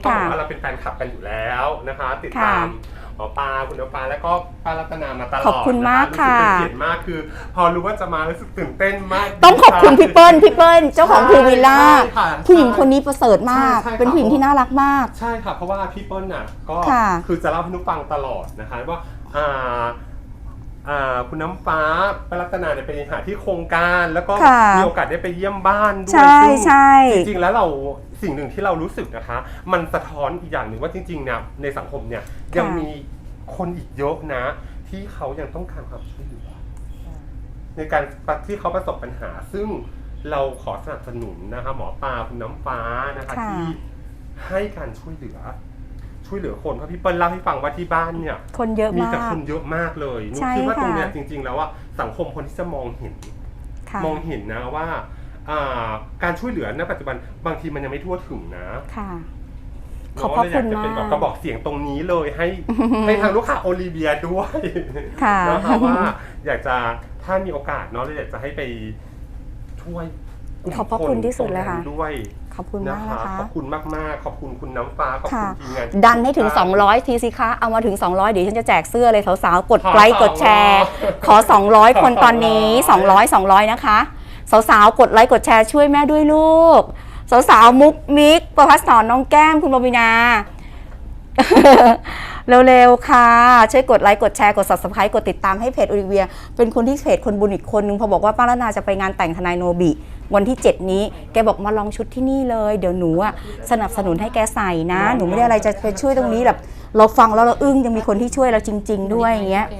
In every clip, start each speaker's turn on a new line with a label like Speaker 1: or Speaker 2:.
Speaker 1: ต้องบอกว่าเราเป็นแฟนคลับกันอยู่แล้วนะคะติดตามหมอปลาคุณน้ำปลาแล้วก็ป้ารัตนามาตลอด
Speaker 2: ขอบคุณมากค่ะ
Speaker 1: รู้สึกเป็นเกียรติมากคือพอรู้ว่าจะมารู้สึกตื่นเต้นมาก
Speaker 2: ต้องขอบคุณพี่เปิ้ลเจ้าของภูวิลล่าผู้หญิงคนนี้ประเสริฐมากเป็นผู้หญิงที่น่ารักมาก
Speaker 1: ใช่ค่ะเพราะว่าพี่เปิ้ลน่ะก็คือจะเล่าให้นุ๊กฟังตลอดนะคะว่าคุณน้ำฟ้าป้ารัตนาเนี่ยไปหาที่โครงการแล้วก็มีโอกาสได้ไปเยี่ยมบ้านด้วยซึ่งจริงๆแล้วเราสิ่งหนึ่งที่เรารู้สึกนะคะมันสะท้อนอีกอย่างหนึ่งว่าจริงๆเนี่ยในสังคมเนี่ยยังมีคนอีกเยอะนะที่เขายังต้องการความช่วยเหลือในการที่เขาประสบปัญหาซึ่งเราขอสนับสนุนนะคะหมอปลาคุณน้ำฟ้านะคะที่ให้การช่วยเหลือคนเพราะพี่เปิ้ลเล่าให้ฟังว่าที่บ้านเนี่ย
Speaker 2: คนเยอะมาก
Speaker 1: มีแต่คนเยอะมากเลยนุ๊กคิดว่าตรงเนี้ยจริงๆแล้วว่าสังคมคนที่จะมองเห็นนะว่าการช่วยเหลือณปัจจุบันบางทีมันยังไม่ทั่วถึงนะ
Speaker 2: ขอบพระคุณมาก
Speaker 1: จะเป็นกระบอกเสียงตรงนี้เลยให้ทางลูกค้าโอลิเวียด้วยนะคะว่าอยากจะถ้ามีโอกาสเนาะเราอยากจะให้ไปช่วย
Speaker 2: ขอบพระคุณที่สุดเลยค่ะ
Speaker 1: ด้วย
Speaker 2: ขอบคุณมากนะคะ
Speaker 1: ขอบคุณมากๆขอบคุณคุณน้ำฟ้าขอบคุณทีมงาน
Speaker 2: ดันให้ถึง200ทีสิคะเอามาถึง200เดี๋ยวฉันจะแจกเสื้อเลยสาวๆกดไลค์กดแชร์ขอ200คนตอนนี้200นะคะสาวๆกดไลค์กดแชร์ช่วยแม่ด้วยลูกสาวๆมุกมิกประภัสสรน้องแก้มคุณบวินาเร็วๆค่ะช่วยกดไลค์กดแชร์กด Subscribe กดติดตามให้เพจโอลิเวียเป็นคนที่เพจคนบุญอีกคนนึงพอบอกว่าป้ารัตนาจะไปงานแต่งทนายโนบิวันที่7นี้แกบอกมาลองชุดที่นี่เลยเดี๋ยวหนูสนับสนุนให้แกใส่นะหนูไม่ได้อะไรจะไปช่วยตรงนี้แบบเราฟังแล้วเราอึ้งยังมีคนที่ช่วยเราจริงๆด้วยอย่างเงี้ย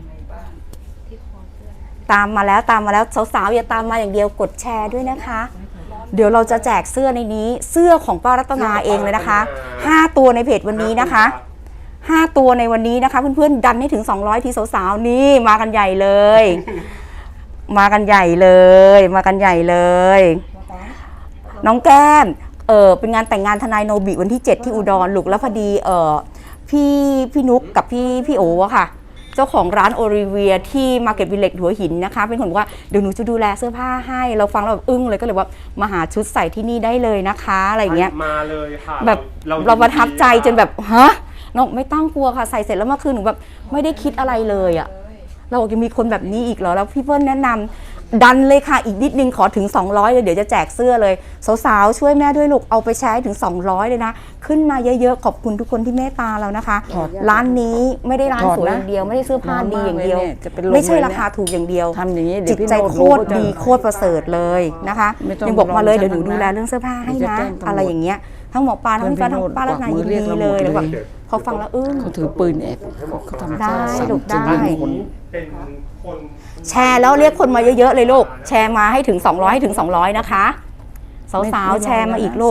Speaker 2: ตามมาแล้วสาวๆอย่าตามมาอย่างเดียวกดแชร์ด้วยนะคะเดี๋ยวเราจะแจกเสื้อในนี้เสื้อของป้ารัตนาเองเลยนะคะ5ตัวในเพจวันนี้นะคะ5ตัวในวันนี้นะคะเพื่อนๆดันให้ถึง200ทีสาวๆนี่มากันใหญ่เลยมากันใหญ่เลยน้องแก้มเป็นงานแต่งงานทนายโนบิวันที่7ที่อุดรลูกแล้วพอดีพี่นุ๊กกับพี่โอ๋อะค่ะเจ้าของร้านโอลิเวียที่มาร์เก็ตวิลเลจหัวหินนะคะเป็นคนบอกว่าเดี๋ยวหนูจะดูแลเสื้อผ้าให้เราฟังแล้วแบบอึ้งเลยก็เลยว่ามาหาชุดใส่ที่นี่ได้เลยนะคะอะไรเงี้ย
Speaker 1: มาเลยค่ะ
Speaker 2: แบบเราประทับใจจนแบบฮะน้องไม่ต้องกลัวค่ะใส่เสร็จแล้วเมื่อคืนหนูแบบไม่ได้คิดอะไรเลยอะเราบอกยังมีคนแบบนี้อีกเหรอแล้วพี่เปิ้ลแนะนำดันเลยค่ะอีกนิดนึงขอถึง200เลยเดี๋ยวจะแจกเสื้อเลยสาวๆช่วยแม่ด้วยลูกเอาไปใช้ถึง200เลยนะขึ้นมาเยอะๆขอบคุณทุกคนที่เมตตาเรานะคะร้านนี้ไม่ได้ร้านสวยอย่างเดียวไม่ได้เสื้อผ้าดีอย่างเดียวไม่ใช่ราคาถูกอย่างเดียวจิตใจโคตรดีโคตรประเสริฐเลยนะคะยังบอกมาเลยเดี๋ยวหนูดูแลเรื่องเสื้อผ้าให้นะอะไรอย่างเงี้ยทั้งหมอปลาทั้งพี่ฟ้าทั้งป้ารัตนายินดีเลยแล้วแบบพอฟังแล้วอึ้ง
Speaker 3: เขาถือปืนแอบเขาทำ
Speaker 2: ได้ลูกได้
Speaker 1: เป็นคน
Speaker 2: แชร์แล้วเรียกคนมาเยอะๆเลยลูกแชร์มาให้ถึง200ให้ถึง200นะคะสาวๆแชร์มาอีกลูก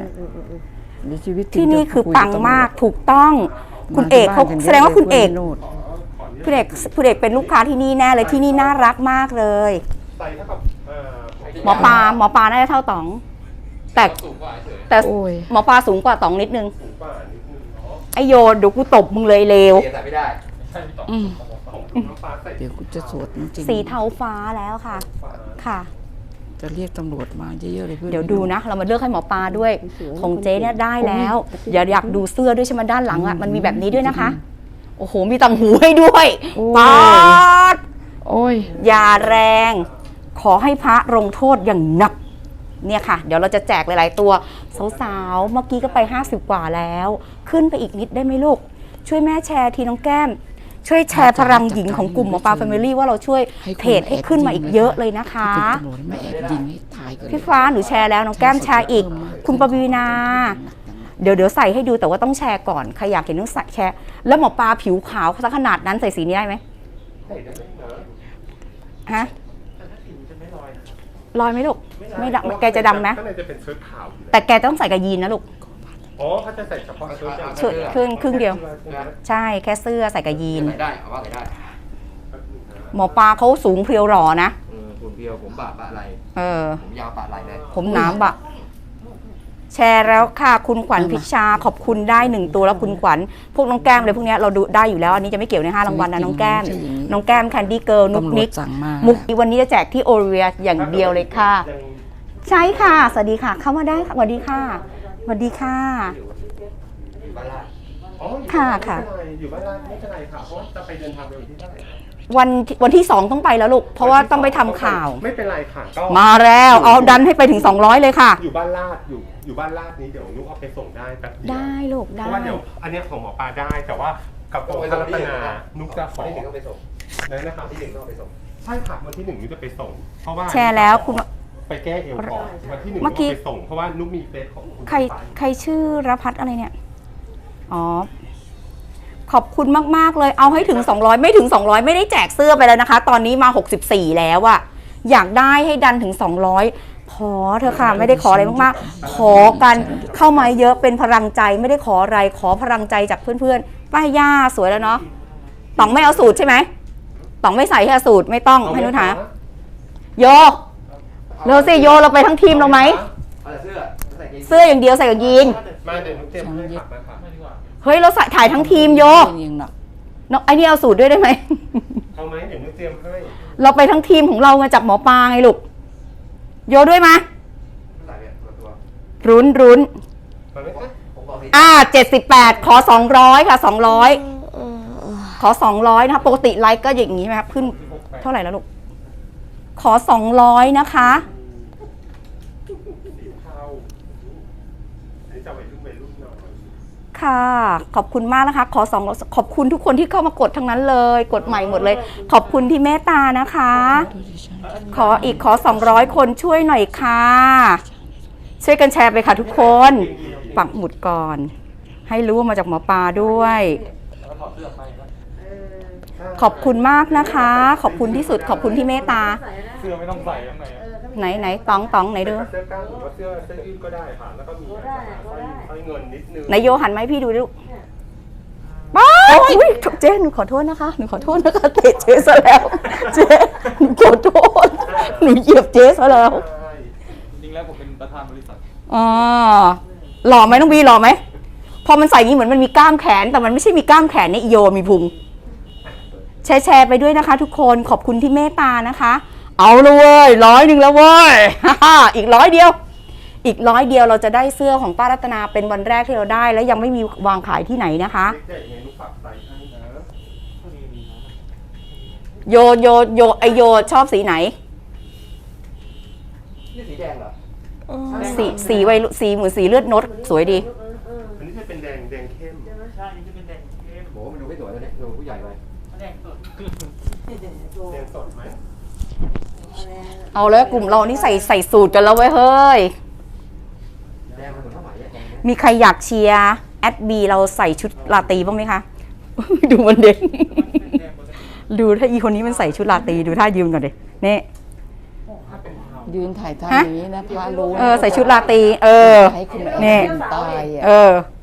Speaker 2: ที่นี่คือปังมากถูกต้องคุณเอกเขาแสดงว่าคุณเอกเป็นลูกค้าที่นี่แน่เลยที่นี่น่ารักมากเลยหมอปลาน่าจะเท่าต๋องแต่หมอปลาสูงกว่าต๋องนิดนึงไอโยนเดี๋ยวกูตบมึงเลยเลว
Speaker 3: เดี๋ยวกูจะสวดจริง
Speaker 2: สีเทาฟ้าแล้วค่ะ
Speaker 3: จะเรียกตำรวจมาเยอะๆเลยเพื่อน
Speaker 2: เดี๋ยวดูนะเรามาเลือกให้หมอปลาด้วยของเจ๊เนี่ยได้แล้วอยากดูเสื้อด้วยใช่ไหมด้านหลังอ่ะมันมีแบบนี้ด้วยนะคะโอ้โหมีต่างหูให้ด้วยป๊าดอย่าแรงขอให้พระลงโทษอย่างหนักเนี่ยค่ะเดี๋ยวเราจะแจกหลายๆตัวสาวๆเมื่อกี้ก็ไป50กว่าแล้วขึ้นไปอีกนิดได้ไหมลูกช่วยแม่แชร์ทีน้องแก้มช่วยแชร์พลังหญิงของกลุ่มหมอปลาแฟมิลี่ว่าเราช่วยเพจให้ขึ้นมาอีกเยอะเลยนะคะพี่ฟ้าหนูแชร์แล้วน้องแก้มแชร์อีกคุณปวีนาเดี๋ยวใส่ให้ดูแต่ว่าต้องแชร์ก่อนใครอยากเห็นต้องแชร์แล้วหมอปลาผิวขาวซะขนาดนั้นใส่สีนี้ได้ไหมฮะลอยไหมลูกไม่ดำแกจะดำไหมแต่แกต้องใส่กระยีนนะลูก
Speaker 1: อ๋อเขาจะใส่เฉพาะ
Speaker 2: ชุดครึ่งเดียวใช่แค่เสื้อใส่กระยีน
Speaker 4: ได้เอาว่าได้
Speaker 2: หมอปลาเขาสูงเพรียวหล่อนะ
Speaker 4: ผมเพรียวผมบะอะไรผมยาวบะอะไรเลย
Speaker 2: ผมหนาบะแชร์แล้วค่ะคุณขวัญพิชาขอบคุณได้1ตัวแล้วคุณขวัญพวกน้องแก้มเลยพวกนี้เราดูได้อยู่แล้วอันนี้จะไม่เกี่ยวใน5รางวัลนะน้องแก้มแคนดี้เกิร์ลนุ๊กนิกมุกวันนี้จะแจกที่โอลิเวียอย่างเดียวเลยค่ะใช่ค่ะสวัสดีค่ะเข้ามาได้ค่ะสวัสดีค่ะสวัสดีค่ะ
Speaker 4: อยู่บ้านลาด
Speaker 1: อ๋ออยู่
Speaker 2: ค่ะ
Speaker 1: บ้าน
Speaker 2: ค่ะ
Speaker 1: ไม่เป็นไรอยู่บ้านลาดไม่เป็นไรค่ะ เพราะว่าจะไปเดินทางไปวันที่เท่าไหร่
Speaker 2: วันที่ 2ต้องไปแล้วลูก เพราะว่าต้องไปทำข่าว
Speaker 1: ไม่เป็นไรค่ะก็
Speaker 2: มาแล้วเอาดันให้ไปถึง200เลยค่ะ
Speaker 1: อยู่บ้านลาดอยู่บ้านลาดนี้เดี๋ยวนุกเอาไปส่งได้แป๊บเดียว
Speaker 2: ได้ลูก
Speaker 1: เพ
Speaker 2: ได้
Speaker 1: ราะว่าเดี๋ยวอันเนี้ยของหมอปลาได้แต่ว่ากับของพระรัตนานุกจะขอ
Speaker 4: ที่หนึ่งต้องไปส่ง
Speaker 1: เลยนะครับ
Speaker 4: ที่หนึ่งต้องไปส่ง
Speaker 1: ใช่ค่ะวันที่ 1นุกจะไปส่ง เพราะว่า
Speaker 2: แชร์แล้วคุณ
Speaker 1: ไปแก้เอวก่อนวันที่ 1นุก
Speaker 2: เมื่อกี้
Speaker 1: ไปส่งเพราะว่านุกมีเฟซของคุณ
Speaker 2: ใครชื่อรพัฒน์อะไรเนี่ย อ๋อ ขอบคุณมาก ๆ เลย เอาให้ถึง 200 ไม่ถึง 200 ไม่ได้แจกเสื้อไปแล้วนะคะ ตอนนี้มา 64 แล้วอะอยากได้ให้ดันถึง 200 ขอเถอะค่ะ ไม่ได้ขออะไรมาก ๆ ขอกันเข้ามาเยอะเป็นพลังใจ ไม่ได้ขออะไร ขอพลังใจจากเพื่อน ๆ ป้าย่าสวยแล้วเนาะต๋องไม่เอาสูตรใช่ไหมต๋องไม่ใส่ให้สูตรไม่ต้องให้นุชหาโยเร็วสิโยเราไปทั้งทีมเราไหม
Speaker 4: เอาแต่เสื้อใส่กางเกง
Speaker 2: เสื้ออย่างเดียวใส่กับยีน
Speaker 1: มาเดี๋ยวนุกเตรียมให้ค่ะมาค่ะ
Speaker 2: เฮ้ย เราใส่ถ่ายทั้งทีมโย
Speaker 3: ยังหนัก
Speaker 2: น้องไอ้นี่เอาสูตรด้วยได้ไหม
Speaker 1: เอาไหมเดี๋ยวนุกเตรียมให้
Speaker 2: เราไปทั้งทีมของเรามาจากหมอปลาไงลูก โยด้วยมา
Speaker 4: ใส่เนี่ยตัว
Speaker 2: รุ้น
Speaker 1: มาไหมคะ
Speaker 4: ผมบอกสิ
Speaker 2: 78 ขอ 200 ค่ะ 200 ขอ 200 นะคะ ปกติไลค์ก็อย่างนี้ไหมครับขึ้นเท่าไหร่แล้วลูก ขอ 200 นะคะ
Speaker 1: สีเทาอันนี้จะวัยรุ่นหน่อย
Speaker 2: ค่ะ ขอบคุณมากนะคะ ขอ200ขอบคุณทุกคนที่เข้ามากดทั้งนั้นเลย กดใหม่หมดเลย ขอบคุณที่เมตตานะคะ ขอ 200 คนช่วยหน่อยค่ะ ช่วยกันแชร์ไปค่ะทุกคน ปักหมุดก่อน ให้รู้ว่ามาจากหมอปลาด้วย ขอบคุณมากนะคะ ขอบคุณที่สุด ขอบคุณที่เมตตา
Speaker 1: เสื้อไม่ต้องใส่ข้างในอะ
Speaker 2: ไหนตองไหนดู
Speaker 1: เสื้อกล้ามหรือว่าเสื้อยืดก็ได้ค่ะ แล้วก็มีสร้อยเงินนิดนึง
Speaker 2: ไหนโยหันไหมาให้พี่ดูดิลูกป้าอุ๊ยเจ๊หนูขอโทษนะคะ เตะเจ๊ซะแล้ว เจ๊หนูขอโทษ หนูเหยียบเจ๊ซะแล้ว
Speaker 1: ใช่
Speaker 5: จริงแล้วผมเป็นประธานบริษัท
Speaker 2: อ๋อหล่อไหมน้องบีหล่อไหม พอมันใส่อย่างนี้เหมือนมันมีกล้ามแขน แต่มันไม่ใช่มีกล้ามแขนในอีโยมีพุง แชร์ไปด้วยนะคะทุกคน ขอบคุณที่เมตตานะคะ เอาเลยเว้ย100แล้วเว้ย อีก100 เดียว อีก100 เดียวเราจะได้เสื้อของป้ารัตนาเป็นวันแรกที่เราได้ และยังไม่มีวางขายที่ไหนนะคะ
Speaker 1: ใหญ่ไงลูกฝากใส่ให้นะ
Speaker 2: โยไอโยชอบสีไหน
Speaker 4: นี่สีแดงเหรอ
Speaker 2: สีเหมือนสีเลือดนกสวยดี
Speaker 1: อันนี้จะเป็นแดงเข้ม
Speaker 5: ใช่นี่จะเป็นแดงเข้ม
Speaker 4: โหมันดูไม่สวยเลยเนี่ยดูผู้ใหญ่ไป
Speaker 5: แดงสด
Speaker 1: แดงสดไหม
Speaker 2: เอาแล้วกลุ่มเรานี่ใส่สูตรกันแล้วเว้ยเฮ้ย
Speaker 4: แดงมันเหมือนผ้าไหมอะแดงเนี่ย
Speaker 2: มีใครอยากเชียร์แอดบีเราใส่ชุดลาตรีบ้างไหมคะ ดูมันเด่น ดูถ้าอีคนนี้มันใส่ชุดลาตรีดูท่ายืนก่อนดินี่
Speaker 3: ยืนถ่ายทำ
Speaker 2: ฮะ
Speaker 3: อย่างนี้นะพระรู้
Speaker 2: ใส่ชุดลาตรี
Speaker 3: ให้คุณแม่
Speaker 2: นี่
Speaker 3: ตายอ่ะ
Speaker 2: เออ